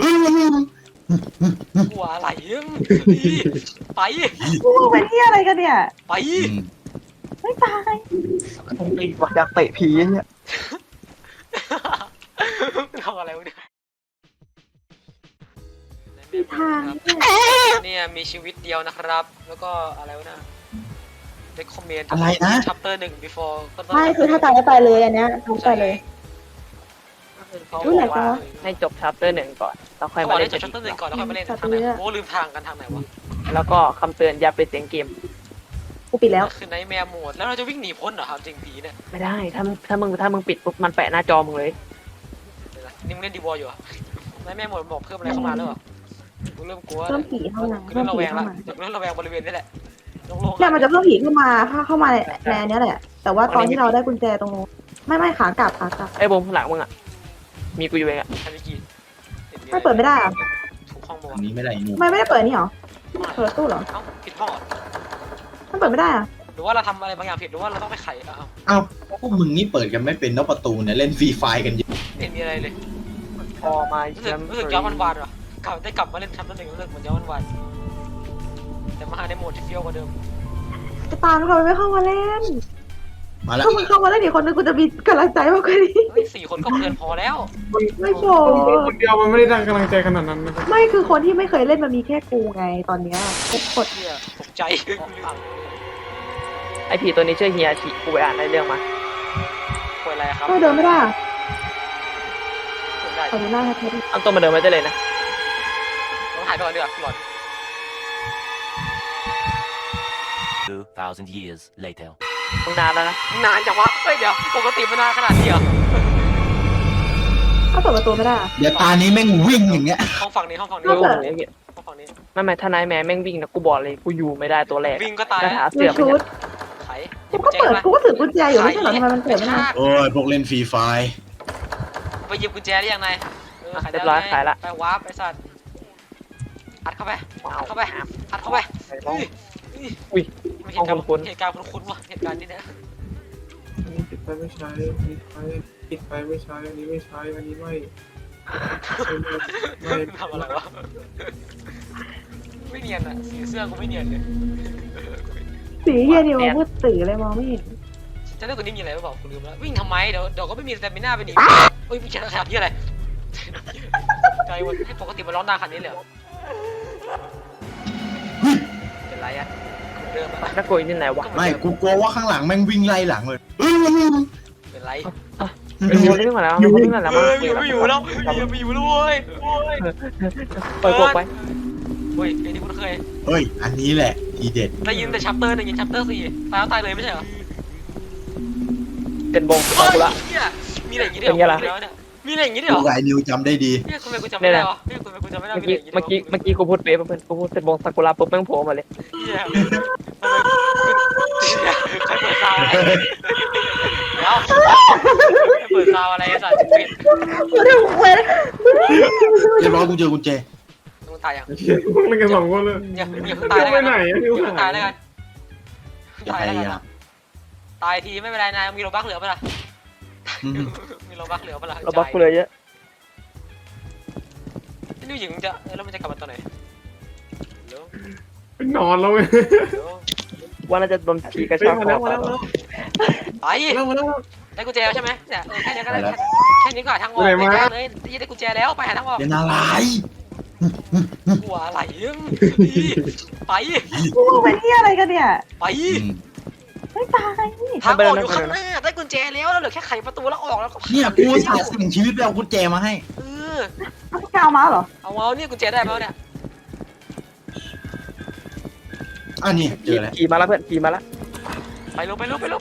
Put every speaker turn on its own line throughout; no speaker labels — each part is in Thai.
กลัวอะไรไป
กูเป็นที่อะไรกันเนี่ย
ไป
ไม่ตาย
ไอ้ว่าอยากเตะผีเนี่ย
ทำอะไรวะเนี่ย
มีทาง
เนี่ยมีชีวิตเดียวนะครับ แล้วก็อะไรวะนะ recommend
อะไรนะ
chapter 1 before
ไม่คือถ้าตายก็ตายเลยอันเนี้ยทุกไปเลย
เขา
อุ๊
บ
ย
อกว่า
ไหนวะ
ให้จบชัปเตอร์1ก่อนแล้วค่อย
เขาบ
มา
อก
เล่
เล่
น
นจบ chapter 1ก่อนแล้วค่อยมาเล่นทางไหนโอ้ลืมทางกันทางไหนวะ
แล้วก็คำเตือนอย่าไปเสียงเกม
กูปิดแล้ว
คือไนท์แมร์โหมดแล้วเราจะวิ่งหนีพ้นเหรอครับจริงผีเนี่ย
ไม่ได้ถ้ามึงปิดปุ๊บมันแปะหน้าจอมึงเลย
เดี๋ยวนะนี่มึงเล่นดีวอลอยู่เหรอไนท์แมร์โหมดบอกเพิ่มอะไรเข้ามาแล้วเหรอกูเริ่มกลัว
เพิ่มผีเข้ามา
กู
เพิ่
เริ่
ม
มระ
ผี
แวง
เข้า
ละ
มา
เริ่มระแวงบริเวณนี้แหละโล่งๆ
เนี่ยมันจะเพิ่มผีขึ้นมาเข้ามาในอันเนี้ยแหละ แต่ว่าตอนที่เราได้กุญแจตรงนู้นไม่ขากลับ
ไอ้บงข้างหลังมึงอ่ะมีกูอยู่เองอ่ะ
ทำกี่
ไม่เปิดไม่ได้อะ
ถูกห้องบอ
อันนี้ไม่ได้นู
ไม่ได้เปิดนี่หรอเปิดตู้เหรอ
เอ้าผิดห้องเหรอ
มันเปิดไม่ได้อะ
หรือว่าเราทำอะไรบางอย่างผิดหรือว่าเราต้องไปไขเอ้า
เอ้าพวกมึงนี่เปิดกันไม่เป็นนอกประตูเนี่ยเล่นฟรีไฟกันอยู่
ไม่เห็นมีอะไรเลย
พอมา
รู้สึกย้อนวันๆเหรอกลับมาเล่นชั้น1รู้สึกเหมือนย้อนวันๆแต่มาในโหมดที่เฟี้ยวกว่าเดิม
จะตามเขาไม่เข้ามาเล่น
มาแล้ว
เข้ามาเล่นอีกคนนึงกูจะมีกำลังใจมากกว่านี้
เฮ้ย4 คนก็เกินพอแล้ว
ไม่โช
คนเดียวมันไม่ได้ดังกำลังใจขนาดนั้นนะครับ
ไม่คือคนที่ไม่เคยเล่นมันมีแค่กูไงตอนเนี้ยกด
เนี่ยตกใจ
ไอ้ผีตัวนี้ชื่อเฮียชิกูไปอ่านในเรื่องมา
ป่วยอะไรครับ
ก็เดินไม่ได้
ป่วยได้
ขอดูหน้าให้เธอดิ
เอาตัวมาเดินไม่ได้เลยนะ
ต้องถ่ายด้วยเดี๋ยวหลอน
2,000 years later.
มึงนานแล้วนะ
นานจังวะเฮ้ยเดี๋ยวปกติมันนานขนาดนี้เหรอ
ถ้าเปิดประตูไม่ได้อะ
เดี๋ยวตานี้แม่งวิ่งอย่างเงี้ย
ห้องฝั่งนี้ห้องฝั่งนี้
รู้
เปิด
ผมอย่างเงี้ย
ห้องฝั่งนี้
ไม่ถ้านายแม่แม่งวิ่งนะกูบอกเลยกูอยู่ไม่ได้ตัวแรก
วิ่งก็ตาย
กระ
แล้ว
ถา
ดู
เสือไป
ชุ
เนี่
ด
ย
ไข
กูก็เปิดกูก็ถือกุญแจอยู่ไม่ใช่เหรอทำไมมันเปิดไม่ได้
โอ้ยพวกเล่นฟรีไฟ
ไปหยิบกุญแจได้ยังไงขาย
เรียบร้อยขายละ
ไปวาร์ปไปสัตว์อัดเข้าไปอัดเข้าไปอัดเข้าไป
อุ้ย
ไม่เห็นการ
คุ้น
เหตุการณ์คุ้นๆว่ะเหตุการณ์นี้เนี่ย
อันนี้ปิดไปไม่ใช้อันนี้ใช้ปิดไปไม่ใช้อันนี้ไม่ใช้อันนี้ไม่ไม่
ทำอะไรวะไม่เนียนอ่ะสีเสื้อกูไม่เนียนเลย
สีเฮียนี่มันมืดตื่อเลยมองไม่เห็น
จะเลือกคนนี้มีอะไรหรือเปล่ากูลืมแล้ววิ่งทำไมเดี๋ยวก็ไม่มีสเตมิน่าไปหนีเฮ้ยไม่ใช่ขนาดนี้อะไรใจวันให้ปกติมันร้อนนานขนาดนี้เลยเหรอเป็นไรอ่ะเดิมแล้ว
นักโกยนี่ไหนวะ
ไม่กูกลัวว่าข้างหลังแม่งวิ่งไล่หลังเลย
เป็นไร
เป็นคนที่วิ่งมาแล้วเป็นคนที่วิ่งมาแล้ว
ไม่อยู่แล้วไม่อยู่แล้วเว้ย
เปิดกบไป
เฮ้ยไอ้ที่คุณเคย
เฮ้ยอันนี้แหละทีเด็ด
ได้ยินแต่ชัปเตอร์1ยินชัปเตอร์4ตายแล้วตายเลยไม่ใช่เหรอ
เป็นบง
เฮ้ย
กูละ
มีอะไรอย่างงี้ด้วยเหรอเนี่ยมีอะไรอย่างงี้ด้วย
กู
เหรอ
กับไอ้นิวจำได้ดี
เนี่ยทำไมกูจำไม่ได้วะเนี่ยทำไมกูจำไม่ได้
เมื่อกี้กูพูดเป๊ะเพื่อนกูพูดเป็นบงซากุระปุ๊บแม่งโผล่มาเลย
เนี่ยทำไมใครเปิดซาวอะไรเดี๋ยวเปิดซาวอะไรสัตว์ปิด
กูได้เว้ย
เรียบร้อยกูเจอกุญแจ
ต้องตายยัง
เล่นกันสองคนเลย
อย่าเพิ่งตายแล้ว
ไป
กัน
ไหน
อย่า
นิว
เพิ่ง
หา
ตาย
ย
แล้วกัน
อย่า
ตาย
พ
แล้วกัน
ยายาม
ตายทีไม่เป็นไรนายมีโลบักเหลือปะล่ะมีโลบักเหลือปะล่ะ
เราบล็อกกูเลยเยอะ
นี่หญิงจะแล้วมันจะกลับมาตอนไหนเดี๋ยว
เป็นนอนแล้วเว้ย
เดี๋ยว
ว่าน่าจะโดนผีกระ
เฮ้ย
ชาก
มา
ค
แล้ว
อ
มาแล้ว
ไป
มาแล้ว
ได้กุญแจแล้วใช่ไหมเนี่ยแค่นี้ก็ได้แค่นี้ก็หาทางออกเลยได้กุญแจแล้วไปหาทางออก
เป็นอะไร
กลัวอะไรไป
กูเป็นที่อะไรกันเนี่ย
ไป
ไม่ตาย
ทางออกอยู่ข้างหน้าได้กุญแจแล้วแล้วเหลือแค่ไขประตูแล้วออกแล้วก็
เนี่ยกูสาสิ่งชีวิตไปเอากุญแจมาให้
เอาแกเอามาเหรอ
เอาเนี่ยกุญแจได้ไหมเนี่ย
อันนี้เจอแล้ว
ผีมาแล้วเพื่อนผีมาแล้ว
ไปเร็วผีมาแล้ว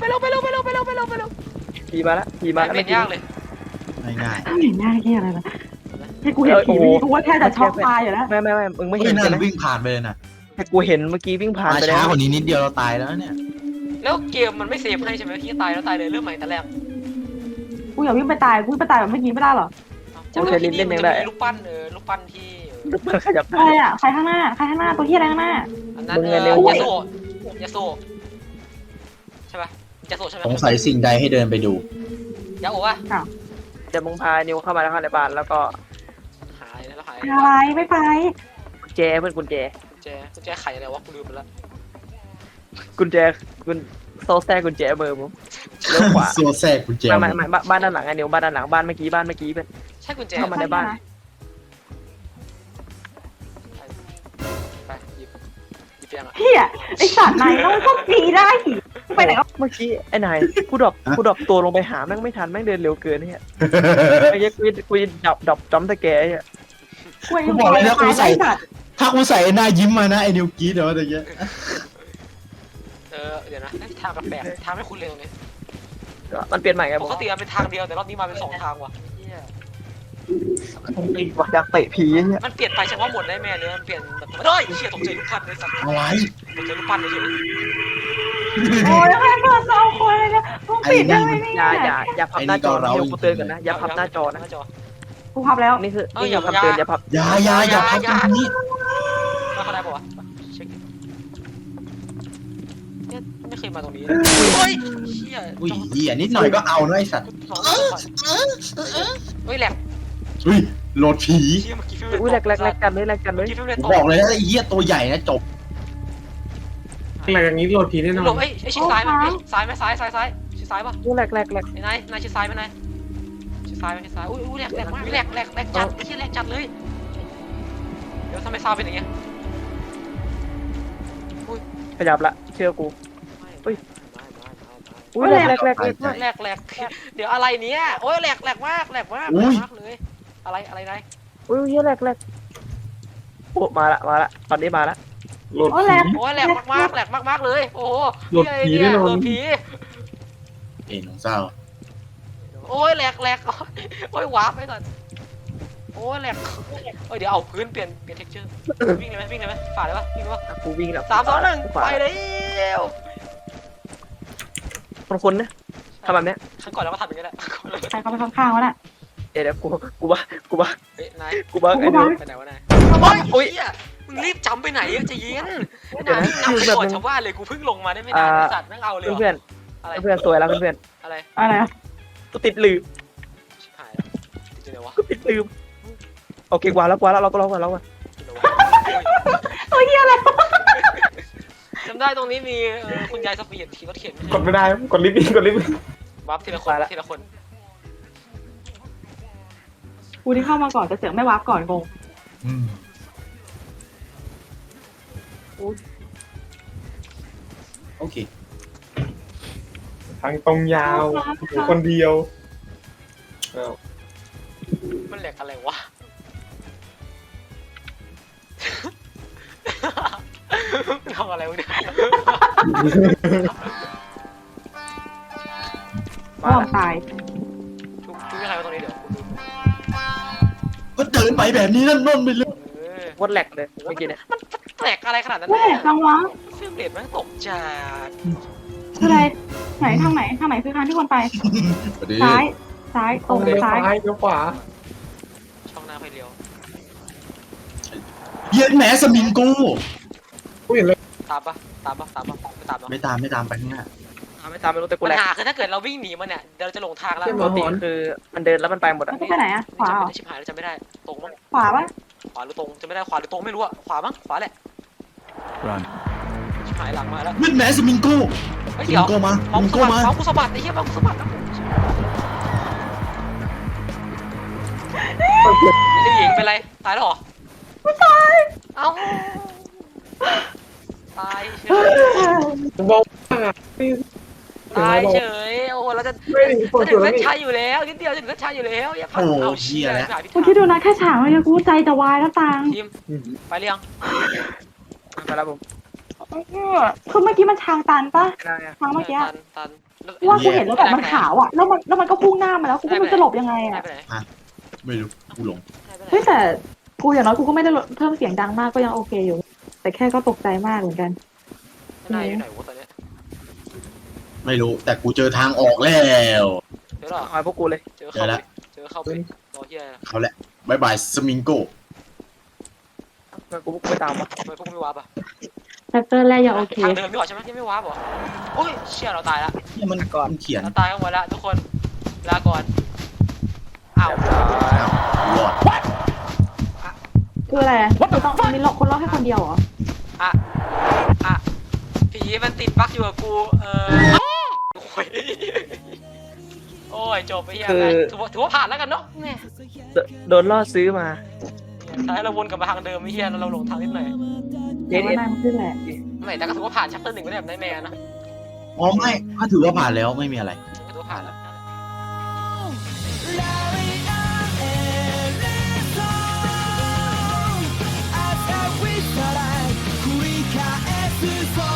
ผีมาแล้ว
เป็นยากเลย
ง่าย
ไม่เห็นหน้าแค่อะไรนะให้กูเห็นผีกูว่าแค่จะช็อกตายอยู่แล้ว
ไม่มึง
ๆ
ไม่
เฮ้
เห็
ย
น
นั่
ใช่ไหม
นวิ่งผ่านไปเลยนะ
แต่กูเห็นเมื่อกี้วิ่งผ่าน
มา
ไปแล้
ช้าว กว่านี้นิดเดียวเราตายแล้วเนี่ย
แล้วเกมมันไม่เซฟให้ใช่ไหมที่ตายแล้วตายเลยเริ่มใหม่แต่แรก
กูอยากวิ่งไปตายกูไปตายแบบเมื่อกี้ไม่ได้หรอ
จะมีรูปปั้นรูปปั้นที่
มันขยับ
ใครอ่ะใครข้างหน้าตัวที่อะไรข้างหน้า
อันนั้นยาโซใช่ป่ะยาโซใช่ไหม
สงสัยสิ่งใดให้เดินไปดู
ยาโอวะ
เดี๋ยวมึงพานิวเข้ามาแล้วเข้าในบ้านแล้วก็
หายแล้วหาย
อะไรไม่ไป
กุญแจเพื่อนกุญแจ
กุญแจไขอะไรวะกูลืมไปแล้ว
กุญแจกุญโซ่แทรกกุญแจมือผมเลี้ยวขวา
โซแซกกุญแจ
ไม่บ้านด้านหลังไอ้นิวบ้านด้านหลังบ้านเมื่อกี้เป็น
ใช่กุญแจ
เข้ามาในบ้าน
ไปหยิบยังอ่ะ
เฮียไอสัตว์ไหนแล้วมันก็ปีได้หีไปไหนก็
เมื่อกี้ไอ้นายกูดรอปตัวลงไปหาแม่งไม่ทันแม่งเดินเร็วเกินเนี่ยไอ้เหี้ยกูดับจอมตะแกเนี่ย
กูบอกเลยนะกูใส่
สัตว์
ถ้ากูใส่หน้ายิ้มมานะไอ้นิวกรีดเดี๋ยวอะไรเงี้ย
เดี๋ยวนะทางแปลกๆทางไม่คุ้นเลยตรงนี้
มันเปลี่ยนใหม่ไง
ปกติมันเป็นทางเดียวแต่รอบนี้มาเป็น2 ทางว่ะ
อยากเตะผีเนี่ย
มันเปลี่ยนไปเฉพาะหมดได้แม่เนี่ยมันเปลี่ยนแบบเฮ้ยเชี่ยตกใจลูกพันเลยสัตว์
อะไร
ตกใจลูกพันเลยเฉย
โอ้ยแล้วใครเปิดสองคนเลยเนี่ยมึงปิดได้ไหมเนี่ย
อย่าพับหน้าจอนะเดี๋ยวกูเตือนกันนะอย่าพับหน้าจอนะ
กูพับแล้ว
นี่คือคำเตือนอย่าพับ
อย่าพับตรงนี้
แล้วเขาได้ป่าวะเช็คเนี่ยไม่เคยมาตรงนี้เฮ้ยเชี่ย
อุ้ยเหี้ยนิดหน่อยก็เอานะไอ้สัตว์
เฮ้ยแหลก
อุ้ยโหลดผี
เชี่ยเมื่อกี้
อุ้ยแรกกันเลย
เมื่อกี้ฟิล์มเลย
ผม
ต
บอกเลยนะไอ้เหี้ยตัวใหญ่นะจบ
อะไรอย่างนี้โหลดผีแน่นอ
หล
น
บไอ้ชิดซ้ายมั้ยซ้ายไหมซ้ายชิดซ้ายป่ะ
อุ้ยแรก
ไอ้นายชิดซ้ายไหมนายชิดซ้ายไหมชิดซ้ายอุ้ยแหลกมากแหลกจัดไอ้เชี่ยแหลกจัดเลยเดี๋ยวทำไมซาวเป็นอย่างเงี้ย
ขยับละเชื่อกู อุ้ยแรก
เดี๋ยวอะไรเนี้ยโอ้ยแหลกมากเลยอะไรนาย
อุ้ยแรกโอ้มาละตอนนี้มาละ
โหลด
โอ้ย
ผี
แหลก
โอ้ยแหลกมากเลยโอ้โห
โหลดผีแน่นอน
โหลดผี
เอ็นของเศร้า
โอ้ยแหลกโอ้ยวาร์ปไปก่อนโอ้ยแหลกเดี๋ยวเอาพื้นเปลี่ยนเท็กเจอร์วิ่งเลยไหมฝ่าเลยปะวิ่งเลยปะ
กูวิ่งแล้ว
3 2 1ไปเลย
คนนะทำแบบนี้
ครั้งก่อนเราก็ทำอย่างนี้แหละ
ใครเข้าไปข้างๆวะน่ะ
เดี๋ยวกูบ้า
เฮ้ยนาย
กูบ้าไอ้นิว
ไปไหนวะนาย
โอ้ย
มึงรีบจำไปไหนจะเย็นนายนำไปก่อนชาวบ้านเลยกูเพิ่งลงมาได้ไม่นานสัตว์นั่งเอาเลย
เพื่อน
อะไร
สวยแล้วเพื่อน
อะไร
อะไรอะ
กูติดลืม
ชิบหายแล้วติดเลยวะ
กูติดลืมโอเคกว่าแล้วเราก็ร้องกันแล้วอ่ะ
โอ้ยเฮียอะไร
จำได้ตรงนี้มีคุณยายสปีดขี่รถเข็น
กดไม่ได้กดลิฟต์
วับทีละคน
กูที่เข้ามาก่อนจะเสือกไม่วาร์ปก่อนงง
อืมโอเค
ทางตรงยาวอยู่คนเดียวอ้าว
มันแหลกอะไรวะทำอะไรวะเนี่ย
พ่อตาย
ทุกใครมาตรงนี้เดี๋ยว
ก็เดินไปแบบนี้นั่นไปเลย
วดแหลกเลยเมื่อกี้เนี่ย
แหลกอะไรขนาดนั้น
แหลกจังวะ
เฟรมเรทมันตกจัด
คืออะไรไหนทางไหนคือทางที่คนไป ซ้ายตรง
เลี้ยว
ซ้าย
ซ้ายเลี้ยวขวา
ช่องหน้าไฟเลี้ยว
เย็นแหมสมิงกู
กูเห็นเลย
ตามปะไม่ตามหรอ
ไม่ตามไปข้างหน้า
ไม่ตามไม่รู้แต่กู
ปัญ
แหลก
หาคือถ้าเกิดเราวิ่งหนีมันเนี่ยเดี๋ยวเราจะหลงทางแล้ว
ปกติคือมันเดินแล้วมันไปหมด
มั
อ่ะ
นไปไหนอะขวาเหรอ
ชิบหายแล้วจำไม่ได้ตรงมั้ง
ขวาปะ
ขวาหรือตรงจำไม่ได้ขวาหรือตรงไม่รู้อะขวามั้งขวาแหละชิบหายหลังมาแล้ว
เย็นแหมสมิงกู
เฮ้ย
สมิ
เดี๋ยว
งกูมาส
เมา
มิ
ส์
ง
ส
กู
บัด
มา
เมาส์กูสบัดไอ้เหี้ยเมาส์กูสบัดนะไอ้หญิงเป็นไรตายแล้วเหรอไม่ตายเอ้าตายเฉย
บอก
ตายเฉยโอ้โหเราจะ
ไม่ถึงคน
จะถึ
ส
ง
วย
เส้น
นี่
ชัยอยู่แล้วนิดเดียวจะถึงเส้นชัยอยู่แล้วอย่าพักเอาเชี่ยหายพิ
กูคิดดูนะแค่ฉากมันกูใจจะวายแล้วตัง
ทีมไปเรียง
ไปแล้วผม
คือเมื่อกี้มันทางตันปะ
ไม่ได้อะ
ทางเมื่อกี้
ตัน
ว่ากูเห็นแล้วแบบมันขาวอะแล้วมันก็พุ่งหน้ามาแล้วกูไม่รู้จะหลบยังไง
หาย
อะ
ไปไหน
ไม่รู้กูหลง
เฮ้ยแต่กูอย่างน้อยกูก็ไม่ได้เพิ่มเสียงดังมากก็ยังโอเคอยู่ แต่แค่ก็ตกใจมากเหมือนกัน
นายอยู่ไหนวะตอนนี้
ไม่รู้แต่กูเจอทางออกแล้ว
เดี๋ยวหรอ
เอาพวกกูเลย
เจอเข้าไปรอเฮีย
เขาแหละบายบายสมิงโก
กูไม่ตามวะ
ทำไมพวกไม่วาร์ปอ่ะ
แฟกเตอร์แรกยังโอเค
ทางเดิมไม่หรอใช่ไหมยังไม่วาร์ปหรอโอ้ยเชี่ยเราตายละ
เนี่ยมันก่อนเขียน
เราตายกันหมดละทุกคนลาก่อนอ้าว
อ้าวรอด
คืออะไรคือต้องมีคนรอดแค่คนเดียวเหรอ
อ่ะผีมันติดบั๊กอยู่กับกูโอ้ยโอ้ยจบไปยังไงถือว่าผ่านแล้วกันเนาะแม่
โดนล่อซื้อมา
ใช่เราวนกลับมาทางเดิมไม่เฮียเราหลงทางนิดหน่อย
เอ็
แต่ว่านายมันขึ้นแหละ
ไม่แต่ก็ถือว่าผ่านชัปเตอร์ 1ไปได้แบบไนท์แมร์นะ
อ๋อไม่ถ้าถือว่าผ่านแล้วไม่มีอะไร
ก็ถือว่าผ่านแล้ว
繰り返す